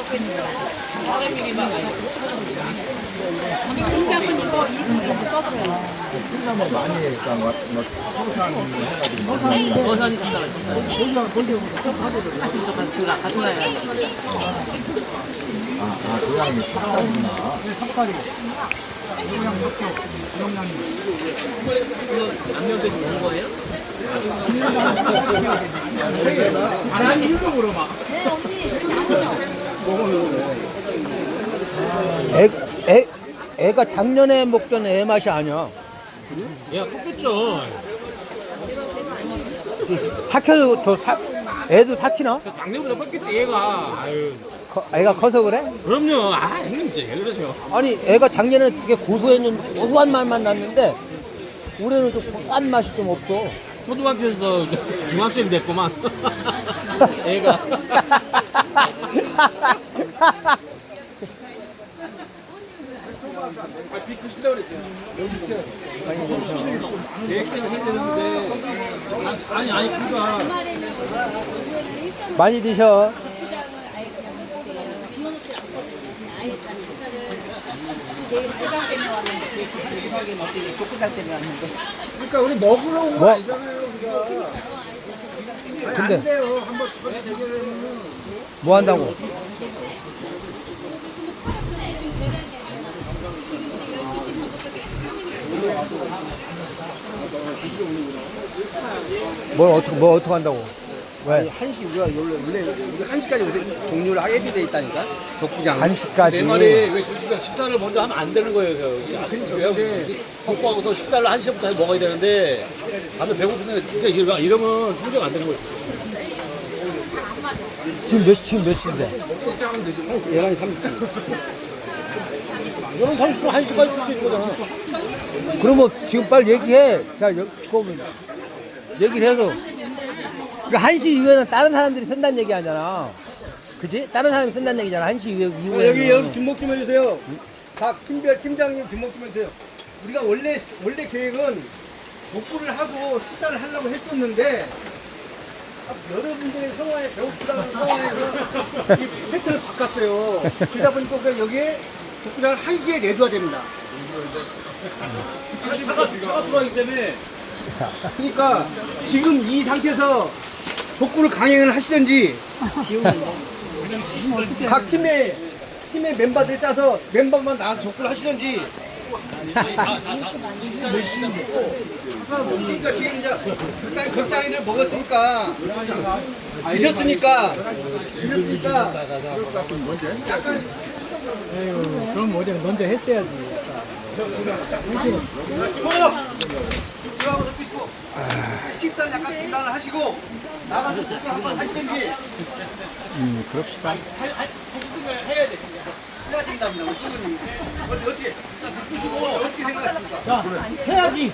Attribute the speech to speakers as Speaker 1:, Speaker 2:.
Speaker 1: 콩나물 많이 해니까 뭐 소산 해가지고
Speaker 2: 버선이 준다고
Speaker 1: 고양이 찹쌀이구나.
Speaker 2: 양념돼서 먹은 거예요?
Speaker 3: 바람 일동으로 막.
Speaker 4: 애가 작년에 먹던 애 맛이 아니야.
Speaker 2: 얘가 컸겠죠.
Speaker 4: 삭혀도 애도 삭히나?
Speaker 2: 작년보다 컸겠지 얘가. 아유.
Speaker 4: 애가 커서 그래?
Speaker 2: 그럼요. 아 형님 진짜 왜 그러세요?
Speaker 4: 아니 애가 작년에는 되게 고소한 맛만 났는데 올해는 좀 고소한 맛이 좀 없어.
Speaker 2: 초등학교에서 중학생이 됐구만. 애가. 비 크신다 그랬어요. 계획대로 해야 되는데. 아니 그니까.
Speaker 4: 많이 드셔.
Speaker 1: 그러니까 우리 먹으러 온 거
Speaker 4: 뭐?
Speaker 1: 아니잖아요, 우리가. 아니,
Speaker 4: 근데-
Speaker 1: 안 돼요. 한번 저기 대결하면
Speaker 4: 뭐 한다고? 뭘 어떻게 한다고? 왜?
Speaker 1: 한시 우리가 원래 우리 한시까지 요새 종료를 하게 돼 있다니까. 족구장.
Speaker 4: 간식까지.
Speaker 2: 내 말이 왜 식사를 먼저 하면 안 되는 거예요. 왜 먹고하고서 식사를 1시부터 해서 먹어야 되는데 다들 배고픈데 그러니까 이러면 성적 안 되는 거예요.
Speaker 4: 지금 몇 시인데?
Speaker 2: 11시 30분. 이러면 30분 1시까지 칠 수 있는 거잖아.
Speaker 4: 그러면 지금 빨리 얘기해. 자, 그거면 얘기를 해서. 그 1시 이후에는 다른 사람들이 쓴다는 얘기 아니잖아. 그지? 다른 사람이 쓴다는 얘기잖아. 1시 이후에.
Speaker 1: 여기 주목 좀 해주세요. 각 팀별 팀장님 주목 좀 해주세요. 우리가 원래 계획은 복구를 하고 식사를 하려고 했었는데 여러분들의 성화에 배고프다는 성화에서 이 패턴을 바꿨어요. 그러다 보니까 우리가 여기에 복구장을 1시에 내줘야 됩니다.
Speaker 2: 차가 들어가기 때문에
Speaker 1: 그러니까 지금 이 상태에서 복구를 강행을 하시든지 각 팀의 멤버들 짜서 멤버만 나와서 복구를 하시든지 그러니까 지금 이제 극단위를 먹었으니까 드셨으니까 약간
Speaker 3: 그럼 어제 먼저 했어야지.
Speaker 1: 들어가서 삐고 식사 약간 중단을 하시고 나가서 복구 한번 하시든지
Speaker 4: 그럽시다.
Speaker 2: 해야 돼.
Speaker 1: 해야 된답니다. 어떻게 생각하십니까?
Speaker 2: 해야지.